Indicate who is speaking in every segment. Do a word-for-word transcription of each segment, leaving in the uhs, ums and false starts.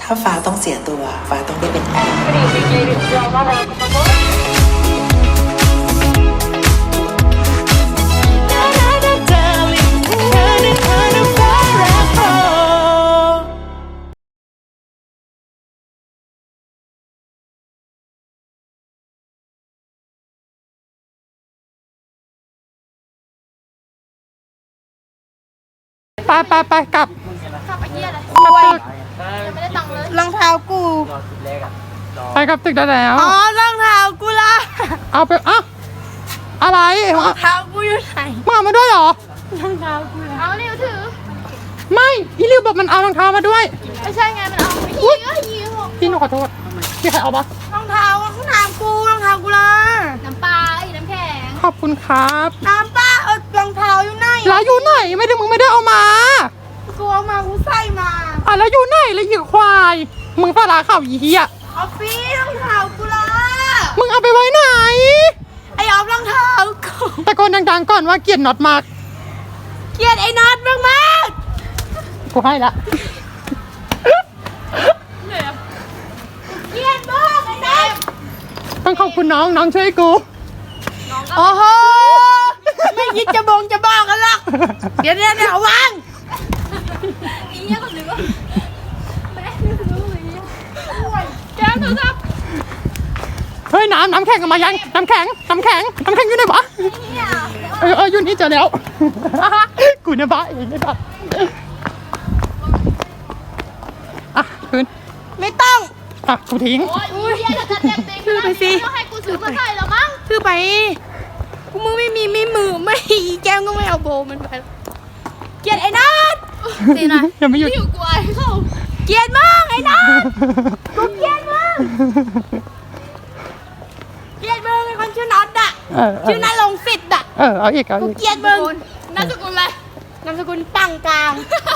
Speaker 1: ถ้าฟ้าต้องเสียตัวฟ้าต้องได้เป็นแอร์
Speaker 2: ไปไปไปกลับ
Speaker 3: ขับไปเยี่ยเลย
Speaker 2: กลับตึก
Speaker 3: ยังไม่ได้ตังค์เลย
Speaker 4: รองเท้ากู
Speaker 2: ไปกลับตึกได้แล้ว
Speaker 4: อ๋อรองเท้ากูละ
Speaker 2: เอาไปอ่ะอะไร
Speaker 4: รองเท้ากูอยู่ไหน
Speaker 2: มาเอามาด้วยเหรอ
Speaker 4: รองเท้ากูละ
Speaker 3: เอาเร็วถือ
Speaker 2: ไม่พี่ริวบอกมันเอารองเท้ามาด้วย
Speaker 3: ไม่ใช่ไงมันเอาไปยี่ก็ยี่หก
Speaker 2: พี่หนูขอโทษพี่ใครเอาปะ
Speaker 4: รองเท้าข้างน้ำกูรองเท้ากูละ
Speaker 3: น้ำปลาไอ้น้ำแข็ง
Speaker 2: ขอบคุณครับ
Speaker 4: น้ำป้าเออรองเท้าอยู่ไหน
Speaker 2: แล้วอยู่ไหนไม่ได้มึงไม่ได้เอามา
Speaker 4: กูเอามากูใส่มา
Speaker 2: อ่ะแล้วอยู่ไหนแล้วอีกควายมึงปลาร้าข่าวอีเหี้ย
Speaker 4: ออฟฟี่รองเท้ากูละ
Speaker 2: มึงเอาไปไว้ไหน
Speaker 4: ไอออฟรองเท้ากู
Speaker 2: ตะโกนดังๆก่อนว่าเกลียดน็อตมาก
Speaker 4: เกลียดไอ้น็อตมากมาก
Speaker 2: กูให้ละ
Speaker 4: เกลียดมากไอ้น็อต
Speaker 2: ต้องขอบคุณน้องน้องช่วยกู
Speaker 4: โอ้โหไม่คิดจะบงจะบอกกันหรอกเดี๋ยวเดี๋ยวเดี๋ยววาง
Speaker 3: อีเยี่ยก็ถือว่าแม่รู้เลยแก้มโทรศัพท์
Speaker 2: เฮ้ยน้ำน้ำแข็งเอามายังน้ำแข็งน้ำแข็งน้ำแข็งอยู่ไหนวะ
Speaker 3: เนี่ย
Speaker 2: เออเอออยู่นี่เจอแล้ว กูเนี่ยบ้าเองไม่บ้าอ่ะคืน
Speaker 4: ไม่ต้อง
Speaker 2: อ่ะกูทิ้ง
Speaker 3: โอ้ยอีเยี่ยจะเจ็บเองก็ให้กูซื้อมาใส่แล้วมั้ง
Speaker 4: คือไปกูมือไม่มีไม่มือไม่อีแก้มก็ไม่เอาโบมันไปเกลียดไอ้นัทสินะ
Speaker 2: ยังไม่หยุด
Speaker 3: ที่อยู่กูไอ้เขา
Speaker 4: เกลียดมากไอ้นัทกูเกลียดมากเกลียดมึงไอ้คนชื่อน็อตอะ
Speaker 2: เออเอ
Speaker 4: ชื่อ
Speaker 2: อ
Speaker 4: นัทลงสิทธิ์อะ
Speaker 2: เออเอาอีกเอา
Speaker 4: กู
Speaker 2: อีก
Speaker 4: เกลียดมึง
Speaker 3: นามสกุลอะไร
Speaker 4: นามสกุลปังกลาง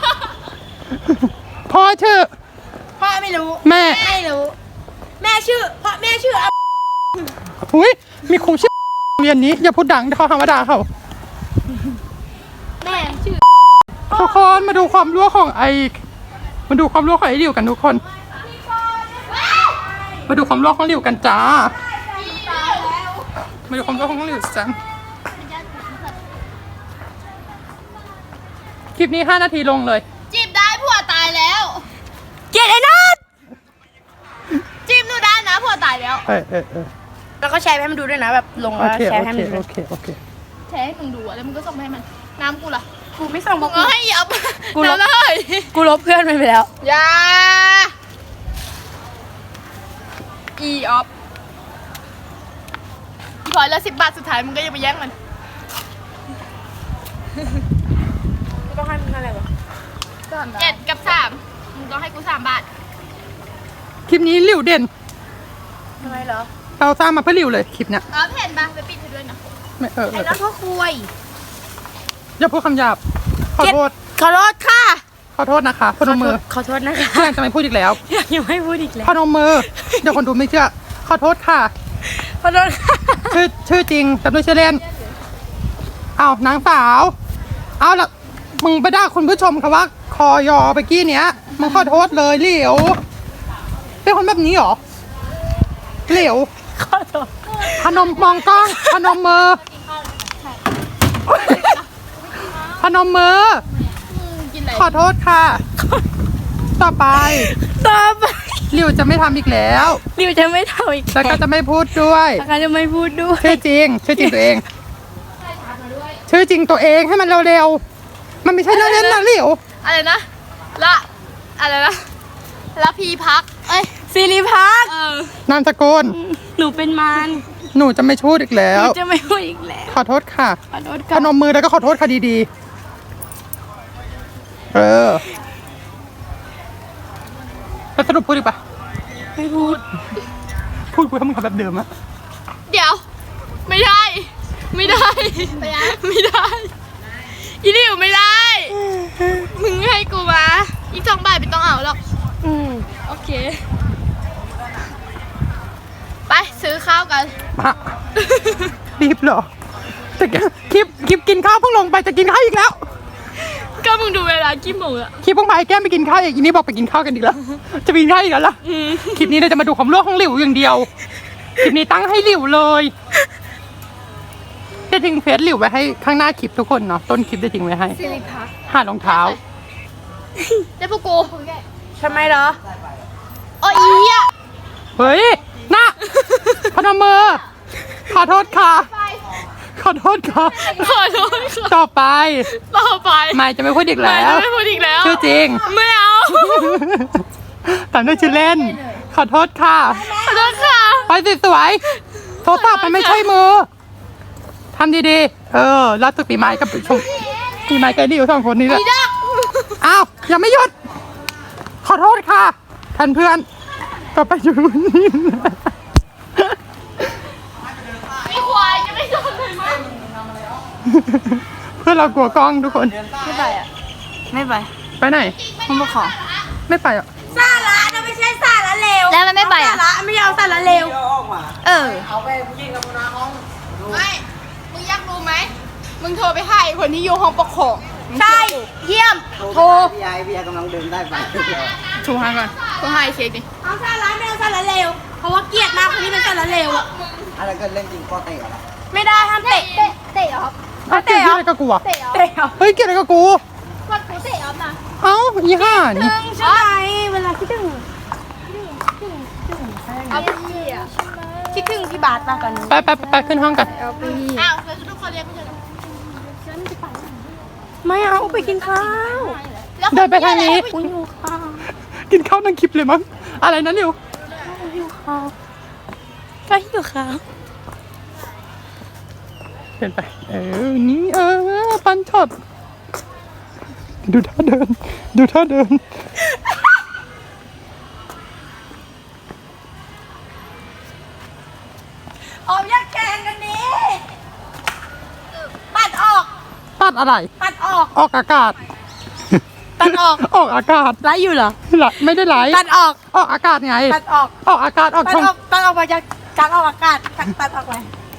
Speaker 2: พ่อชื่อ
Speaker 4: พ่อไม่รู้
Speaker 2: แม่
Speaker 4: ไม่รู้ แม่ชื่อพ่อแม่ชื่ออะ
Speaker 2: อุ้ยมีครูชื่อเรียนนี้อย่าพูดดังเดี๋ยวเขาหาว่าด่าเขา
Speaker 3: แม่ชื่อ
Speaker 2: ทุกคนมาดูความรู้ของไอมาดูความรู้ของไอริวกันทุกคน มาดูความรู้ของริวกันจ้ามาดูความรู้ของริวจังคลิปนี้ห้านาทีลงเลย
Speaker 3: จีบได้ผัวตายแล้ว
Speaker 4: เกลียดไอ้นัท
Speaker 3: จีบหนูได้นะผัวตายแล้ว
Speaker 2: เออเออเออ
Speaker 4: แล้วก็แชร์ให้มันดูด้วยนะแบบลง
Speaker 2: โอ
Speaker 4: แล้ว
Speaker 2: เค
Speaker 4: แช
Speaker 2: โอ
Speaker 4: ร์ให้
Speaker 2: เค
Speaker 4: มันดู
Speaker 2: โอเคโอเค
Speaker 3: แชร์ให้มึงดูอะแล้วมึงก็ส่งไปให้มัน น้ำกูล่ะ
Speaker 4: กูไม่ส่ง
Speaker 3: มึ
Speaker 4: มาง
Speaker 3: เอาให้ยับ
Speaker 4: กูลบ
Speaker 3: น้ำเลย
Speaker 4: กูลบเพื่อนมันไปแล้ว
Speaker 3: อยาอีออฟอีพลอยแล้วสิบบาทสุดท้ายมึงก็ยังไปแย่งมัน
Speaker 4: ต้องให้มันอะไรวะ
Speaker 3: เจ็ดกับสามมึงต้องให้กูสามบาท
Speaker 2: คลิปนี้ริวเด่น
Speaker 4: ทำไมเหรอ
Speaker 2: เราสร้างมาเพื่อริวเลยคลิปเนี้ย
Speaker 3: เออเห็นปะไปปิดให้ด้วยนะ
Speaker 2: ไม่เออเอ
Speaker 4: ไอ้
Speaker 2: อ
Speaker 4: นัทพ่อคุย
Speaker 2: อย่าพูดคำหยาบขอโทษ
Speaker 4: ขอโทษค่ะ
Speaker 2: ขอโทษนะคะพนมมือ
Speaker 4: ขอโทษนะคะ
Speaker 2: ยังจะไม่พูดอีกแล้ว
Speaker 4: ยังไม่พูดอีกแล้ว
Speaker 2: พนมมือเดี๋ยวคนดูไม่เชื่อขอโทษค่ะ
Speaker 4: ขอโทษค่ะ
Speaker 2: ชื่อชื่อจริงแต่ด้วยชื่อเล่นเอานางสาว เอาละมึงไปด่าคุณผู้ชมค่ะว่า คอยอไปกี้เนี้ยมึงขอโทษเลยเหลวเป็นคนแบบนี้เหรอเหลว
Speaker 4: ขอโทษ
Speaker 2: พนมมองกล้องพนมมือพนมมือ
Speaker 3: มึงกินอะไร
Speaker 2: ขอโทษค่ะ ต่อไป
Speaker 4: ต่อไป
Speaker 2: ริวจะไม่ทำอีกแล้ว
Speaker 4: ริวจะไม่ทำอีก
Speaker 2: แล้วก็จะไม่พูดด้วย
Speaker 4: แล้วก็จะไม่พูดด้วย
Speaker 2: ชื่อจริง ชื่อจริงตัวเอง ชื่อจริงตัวเองให้มันเร็วๆ มันไม่ใช่เล่นๆนะหลิว
Speaker 3: อะไรนะ ละอะไรนะละพีพัก เอ้ย
Speaker 4: สิริพัก
Speaker 3: เออ
Speaker 2: นามสกุล
Speaker 4: หนูเป็นมาร
Speaker 2: หนูจะไม่พูดอีกแล้
Speaker 4: ห
Speaker 2: ว
Speaker 4: นูจะไม่พูดอีกแล้ว
Speaker 2: ขอโทษค่ะ
Speaker 4: ขอโทษ
Speaker 2: พ
Speaker 4: ค่ะ
Speaker 2: นมมือแล้วก็ขอโทษค่ะดีๆ เออแล้วสรุปพูดอีกปะ
Speaker 4: ไม่พูด
Speaker 2: พูดกูทำมึงทำแบบเดิมอะ
Speaker 3: เดี๋ยว ไม่ได้ ไม่ได้ ไม่ได้ ไม่ได้อีนี่อยู่ไม่ได้ มึงให้กูมา อีกสองบาทไม่ต้องเอาหรอก
Speaker 4: อืม
Speaker 3: โอเค ไปซื้อข้าวกัน
Speaker 2: มารีบเหรอแต่คลิปคลิปกินข้าวเพิ่งลงไปจะกินข้าวอีกแล้ว
Speaker 3: ก็มึงดูเวลากี่โมงอะ
Speaker 2: คลิปพวกมาไอ้แก้มไปกินข้าวอีกอีนี่บอกไปกินข้าวกันอีกแล้ว จะไปกินข้าวอีกแล้วล่ะคลิปนี้เราจะมาดูความรั่วของหลิวอย่างเดียว คลิปนี้ตั้งให้หลิวเลยจะทิ้งเฟซหลิวไว้ให้ข้างหน้าคลิปทุกคนเนาะต้นคลิปจะทิ้งไว้ให้
Speaker 3: สิริพัก
Speaker 2: หารองเท้า
Speaker 3: ได้พวกกู
Speaker 4: ทำไมเหรอ
Speaker 3: โอ้ยอีอะ
Speaker 2: เฮ้ยน่ะพนมมือขอโทษค่ะ ขอโทษค่ะ
Speaker 3: ขอโทษค่ะ
Speaker 2: ต่อไป
Speaker 3: ต่อไป
Speaker 2: ไม่จะไม่พูดอีก
Speaker 3: ไม่
Speaker 2: แล้ว
Speaker 3: ไม่พูดอีกแล้ว
Speaker 2: ชื่อจริง
Speaker 3: ไม่เอา
Speaker 2: ตามด้วยชื่อเล่น ขอโทษค่ะ
Speaker 3: ขอโทษค่ะ
Speaker 2: ไปสวยๆโทรศัพท์มันไม่ใช่มือทำดีๆ เออรัดตุกปีไม้กับชมปีไม้กับนี่อยู่สองคนนี้แหละ
Speaker 3: อีดัก
Speaker 2: อ้าวยังไม่หยุด ขอโทษค่ะท่านเพื่อนต่อไปอยู่นี่
Speaker 3: ไอ้ควายจะไม่โดนเลยมั้ง
Speaker 2: เพื่อนเรากลัวกล้องทุกคน
Speaker 4: ไม่ไปอ่ะ ไม่ไป
Speaker 2: ไปไหน
Speaker 4: มึงมาขอ
Speaker 2: ไม่ไปอ่ะ
Speaker 4: สาระนะไม่ใช่สาระเลว
Speaker 3: แล้วมันไม่ไปอ่ะ
Speaker 4: สาระไม่เอาสาระเลวเออ
Speaker 3: ไม่ มึงอยากรู้ไหม มึงโทรไปให้คนที่อยู่ห้องปกครอง
Speaker 4: ใช่ เยี่ยม โทร
Speaker 5: พี่ไอพี่ไอกำลังเดินได้ไป
Speaker 3: ถูกให้ก่อนโทรให้เช็คดิ
Speaker 4: เอาสาระไม่เอาสาระเลว เพราะว่าเกลียดมากคนที่เป็นสาระเลวอ่ะ
Speaker 5: อะไรก็เล่นจริงก็เตะเหรอ
Speaker 4: ไม่ได้ห้ามเตะ เตะ เตะเหรอ
Speaker 2: อ้าวเกลียดอะไรกับกูอ่ะ
Speaker 4: เตะเหรอ
Speaker 2: เฮ้ยเกลียดอะไรกับกู
Speaker 4: กดกูเตะออฟนะ
Speaker 2: เอ้าอีห่านี่
Speaker 4: ตึงใช่ไหมเวลาคิดถึง
Speaker 3: เอาไปเหี้ย
Speaker 4: คิดถึงพี่บาสมากกว่านี้
Speaker 2: ไปไปไปไปขึ้นห้องกัน
Speaker 4: เอาไป
Speaker 3: อ้าวแล้วทุกคนเรียกไม่ใช่เหรอ
Speaker 4: ไม่เอาไปกินข้าว
Speaker 3: แล้ว
Speaker 2: เดินไปทางนี้
Speaker 4: คุณอยู่ข้าว
Speaker 2: กินข้าวนั่งคลิปเลยมั้ง อะไรนั้นเร็ว
Speaker 4: อยู่ข้าวไปอยู่ข้าว
Speaker 2: เดินไป เออ นี่เออ ปันช็อต ดูท่าเดิน ดูท่าเดิน
Speaker 4: ออกยักแกงกันนี้ปัดออก
Speaker 2: ตัดอะไร
Speaker 4: ปัดออก
Speaker 2: ออกอากาศ
Speaker 4: ตัดออก
Speaker 2: ออกอากาศ
Speaker 4: ไลฟ์อยู่เหรอ
Speaker 2: ไหลไม่ได้ไหล
Speaker 4: ตัดออก
Speaker 2: ออกอากาศไง
Speaker 4: ตัดออก
Speaker 2: ออกอากาศออก
Speaker 4: ตัด
Speaker 2: ช่อง
Speaker 4: ออก ตัดออกมาจากการออกอากาศ ตัดตัดออกไป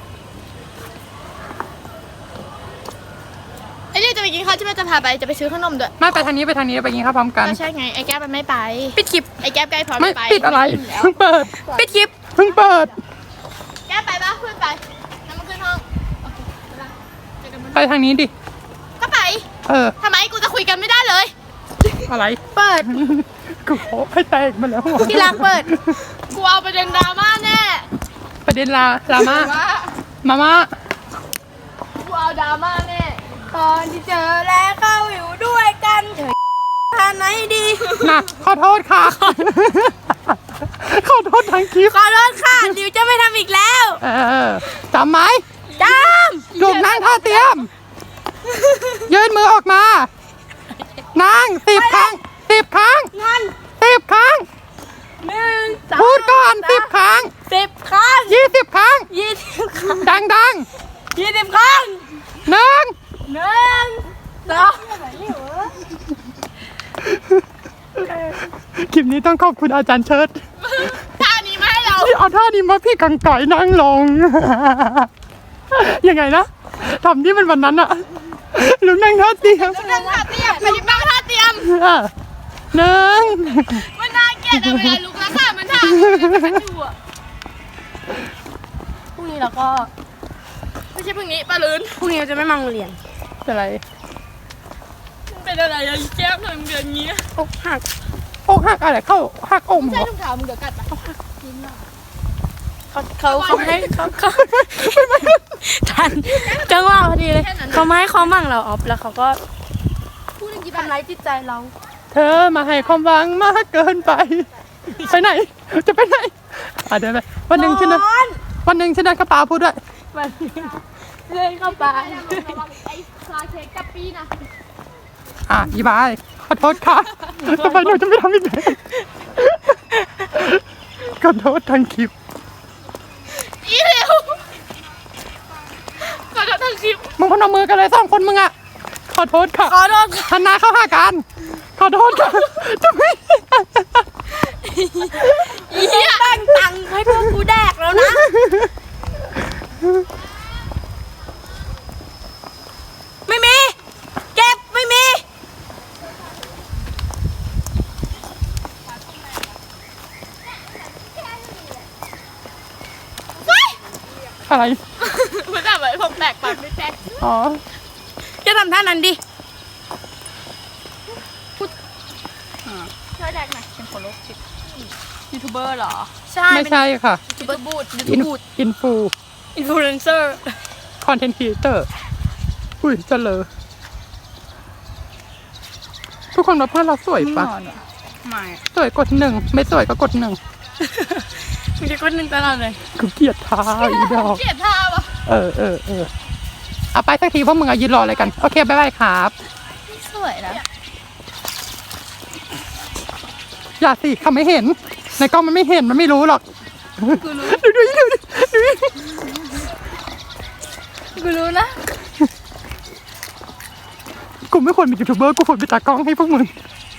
Speaker 3: ไอ้เรื่องจะไปกินข้าวที่แม่จะพาไปจะไปซื้อขนมด้วย
Speaker 2: ไม่ไปทางนี้ไปทางนี้ไปกินข้าวพร้อมกัน
Speaker 3: ก็ใช่ไงไอ้แก้วมันไม่ไป
Speaker 4: ปิดคลิป
Speaker 3: ไอ้แก้วใกล้พร้อม
Speaker 2: ไม่
Speaker 3: ไป
Speaker 2: ปิดอะไร เพิ่งเปิด
Speaker 4: ปิดคลิป
Speaker 2: เพิ่งเปิด
Speaker 3: แก้วไปปะเพื่อนไปน้ำมันขึ้นห้องโอเคไปละเจอกันบน
Speaker 2: ไปทางนี้ดิ
Speaker 3: ก็ไป
Speaker 2: เออ
Speaker 3: ทำไมกูจะคุยกันไม่ได้เลย
Speaker 2: อะไร
Speaker 4: เปิด
Speaker 2: กูขอให้แตกมาแล้ว
Speaker 4: ที่รักเปิด
Speaker 3: กูเอาประเด็นดราม่าแน่
Speaker 2: ประเด็นลาลามา
Speaker 3: ว่า
Speaker 2: มาม่า
Speaker 3: กูเอาดราม่าแน่
Speaker 4: ตอนที่เจอแล้วเข้าอยู่ด้วยกันเถอะทานไหนดี
Speaker 2: น่ะขอโทษค่ะ ขอโทษทางคลิป
Speaker 4: ขอโทษค่ะดิวจะไม่ทำอีกแล้ว
Speaker 2: เออจำไหม
Speaker 4: จ
Speaker 2: ลูกนั่งท่าเตรียม ยืนมือออกมา นั่งสิบครั้งสิบครั้ง
Speaker 4: ำงั้น
Speaker 2: สิบครั้ง
Speaker 4: หนึ่งสอง
Speaker 2: พูดก่อนสิบครั้ง
Speaker 4: สิบครั้ง
Speaker 2: ยี่สิบครั้ง
Speaker 4: ยี่สิบครั้ง
Speaker 2: ดังดัง
Speaker 4: ยี่สิบครั้ง
Speaker 2: ๆหนึ่ง
Speaker 4: หนึ่งสอง
Speaker 2: คลิปนี้ต้องขอบคุณอาจารย์เชิด
Speaker 3: ท่านี้มาให้เรา
Speaker 2: ที่เอาท่านี้มาพี่กังไก่นั่งลง ยังไงนะทำที่มันวันนั้นอะลุงนั่งท่าเตรียม
Speaker 3: เรื่องท่าเตรียมไปที่บ้านท่าเตรียม
Speaker 2: อ่ะหนึ่ง
Speaker 3: มันน่าเกลียดอะเวลาลุกแล้วค่ะมันท่ามันอยู่อะ
Speaker 4: พรุ่งนี้เราก็
Speaker 3: ไม่ใช่พรุ่งนี้ปลาลืน
Speaker 4: พรุ่งนี้เราจะไม่มาโรงเรียน
Speaker 2: อะไร
Speaker 3: เป็นอะไรอะอีแก้วทำเดือนนี้
Speaker 4: อกหัก
Speaker 2: อกหักอะไรเข้าหักอม
Speaker 3: ใช่
Speaker 2: เหรอ
Speaker 3: ถุงเท้ามึงเดี๋ยวกัดปะ
Speaker 4: เขาเขาเขาให้เขาเขาทันจังหวะพอดีเลยเขามาให้ความหวังเราออฟแล้วเขาก็
Speaker 3: พูดเรื่องกี่
Speaker 4: ทำร้ายจิตใจเรา
Speaker 2: เธอมาให้ความหวังมากเกินไป ไปไหน จะไปไหนอ่ะเดินไปวันหนึ่งฉันนะวันหนึ่งฉันนะกระเป๋าพูดด้วย
Speaker 4: มันเลยเข้าไป
Speaker 3: ระวังไอ้คลาเค้กกับปีนะ
Speaker 2: อ่ะอีบายขอโทษค่ะต่อไปหนูจะไม่ทำอีกแล้วขอโทษทางคลิป
Speaker 3: อีเร็วขอโทษทางคลิป
Speaker 2: มึงพนมมือกันเลยสองคนมึงอ่ะขอโทษค่ะ
Speaker 4: ขอโทษ
Speaker 2: หันหน้าเข้าหากันขอโทษค่ะจะไม่
Speaker 4: อีเหี้ยตั้งตังค์ให้พวกกูแดกแล้วนะ ไม่มี เก็บไม่มี
Speaker 2: อะไร
Speaker 3: มันแบบไอ้ผมแตกปากไม่แตก
Speaker 2: อ๋อ
Speaker 4: แกทำท่านั้นดิ
Speaker 3: ช่วยแดกหน่อยเป็นคนโรคจิตยูทูบเบอร์เหรอ
Speaker 4: ใช่
Speaker 2: ไม่ใช่ค่ะ
Speaker 3: ยูทูบเบอร์บูดยู
Speaker 2: อิ
Speaker 3: ทู
Speaker 2: น
Speaker 3: บบูด
Speaker 2: อินฟู
Speaker 4: อินฟลูเอนเซอร์
Speaker 2: คอนเทนต์ครีเอเตอร์อุ้ยเจริญทุกคนว่าเพื่อนเราสวยปะ
Speaker 4: ไม่
Speaker 2: สวยกดหนึ่งไม่สวยก็กดหนึ่ง
Speaker 4: มึงจะคนหนึ่งตลอดเลย
Speaker 2: กูเกลียดท้าอีดอก
Speaker 3: เกลียดท่าปะ
Speaker 2: เออเออเออเอาไปสักทีว่ามึงอะยืนรออะไรกันโอเคบ๊ายบายครับ
Speaker 3: สวยนะ
Speaker 2: อย่าสิเขาไม่เห็น ในกล้องมันไม่เห็นมันไม่รู้หรอกกูรู้ดูดูดูดู
Speaker 3: กูรู้นะ
Speaker 2: กูไม่ควรเป็นยูทูบเบอร์กูควรเป็นตากล้องให้พวกมึง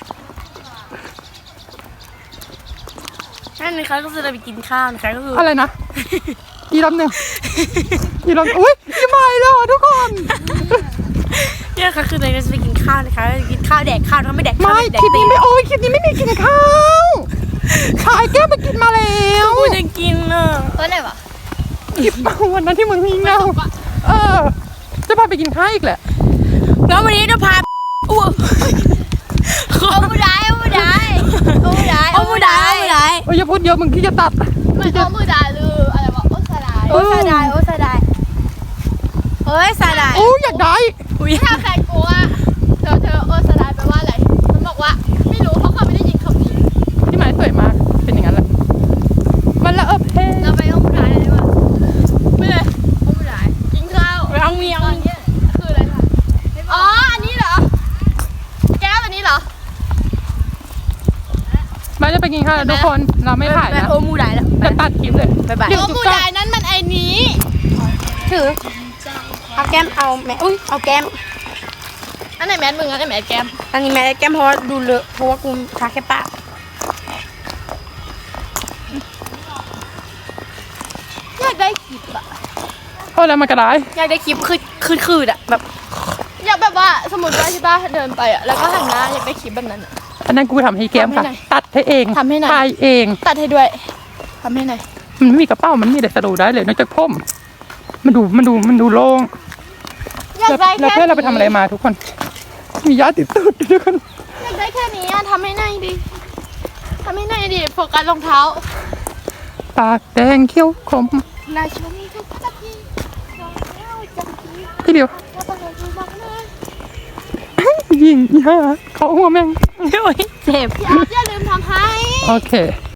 Speaker 4: นั่นนะคะก็คือเราไปกินข้าวนะคะก็คือ
Speaker 2: อะไรนะอีรอบหนึ่งอีรอบอุ้ยอีไม่แล้วทุกคน
Speaker 4: เนี่ยนะคะคือเราจะไปกินข้าวนะคะกินข้าวแดกข้าวถ้าไม่แดกข้าว
Speaker 2: ไม่
Speaker 4: แด
Speaker 2: คลิ
Speaker 4: ก
Speaker 2: ปนี้ไม่โอ้ยคลิปนี้ไม่มีกินข้าวชายแก้วไปกินมาแล้ว
Speaker 4: กูจะกินอ่ะ
Speaker 3: ตัวไหนวะ
Speaker 2: คลิปวันนั้นที่มึงหิ้งเงาเออจะพาไปกินข้าวอีกแหละ
Speaker 4: แล้ววันนี้จะพาอ้วก
Speaker 3: เอาบูได้เอาบูได้เอาบูได้
Speaker 4: เอาผู้ใดเอาผู้ใด
Speaker 2: โอ้ยอย่าพูดเยอะมึงที่จะตัด
Speaker 3: มันเอาบูได้หรืออะไรวะโอ้สลาย
Speaker 4: โอ้ซาดายโอ้ซาดายเอ้ยซาดาย
Speaker 2: โอ้ยอยากได้
Speaker 4: อุ้ย
Speaker 3: ถ้าแฟนกูอะเธอเธอโอ้สลายแปลว่าอะไรมันบอกว่าไม่รู้เพราะเขาไม่ได้ยินคำนี้
Speaker 2: ที่หมายสวยมากเป็นอย่างนั้นแหละมันละเออเพ
Speaker 3: เราไปเอาบูได้เลยว่ะไม่เลยเอาบูได้กินข้าว
Speaker 4: เอาเมีย
Speaker 3: ตอนเนี้ยคืออะไรคะอ๋ออันนี้เหรอแก้วอันนี้เหรอ
Speaker 2: ไม่จะไปกินข้าวแล้วทุกคนเราไม่ถ่ายนะ
Speaker 4: โอ้มูได้แล้ว
Speaker 2: จะตัดคลิปเลย
Speaker 4: บ๊ายบาย
Speaker 2: เดี๋ยว
Speaker 3: โอ้
Speaker 2: จุ
Speaker 3: บู
Speaker 2: กตั
Speaker 3: ได้
Speaker 2: ด
Speaker 3: นั้นมันไอ้นี้
Speaker 4: ถือเอาแก้มเอาแม่อุ้ยเอาแก้ม
Speaker 3: อันไหนแมสมึงอันไหนแมสแก้ม
Speaker 4: อันนี้แม่แก้มเพราะว่าดูเลอะเพราะว่ากูทาแค่ปาก
Speaker 3: อยากได้คลิปอะ
Speaker 2: เพราะอะไรมันกระไร
Speaker 4: อยากได้คลิปคือคือคืออะแบบ
Speaker 3: อยากแบบว่าสมมติว่าใช่ป่ะเดินไปอะแล้วก็หันหน้าอยากได้คลิปแบบนั้นอะ
Speaker 2: อันนั้นกูทำให้แก้มค่ะ
Speaker 3: ทำให้หน่อย
Speaker 2: ตัดให้เอง
Speaker 3: ทำให้หน่อย
Speaker 2: ถ่ายเอง
Speaker 3: ตัดให้ด้วยทำให้หน่อย
Speaker 2: มันไม่มีกระเป๋ามันมีแต่สะดูได้เลยนอกจากผมมันดูมันดูมันดูโล่ง
Speaker 3: อยาก
Speaker 2: แล้ว
Speaker 3: ได้
Speaker 2: แล้ว
Speaker 3: แค่
Speaker 2: เพื่อนเราไปทำอะไรมาทุกคน มียาติดตูดด้วยทุกคน
Speaker 3: อยากได้แค่นี้อะทำให้หน่อยดิทำให้หน่อยดิโฟกัสรองเท้า
Speaker 2: ปากแดงเขี้ยวคม
Speaker 3: นาชมทุกนาทีรองเท้าจังที
Speaker 2: ที่เดียว
Speaker 3: แล้วก็เลยดูบ้างเลย
Speaker 2: ยิงย่าเขาหัวแม่ง
Speaker 4: โอ้ยเจ็บ
Speaker 3: อย่าอย่าลืมทำให้
Speaker 2: โอเค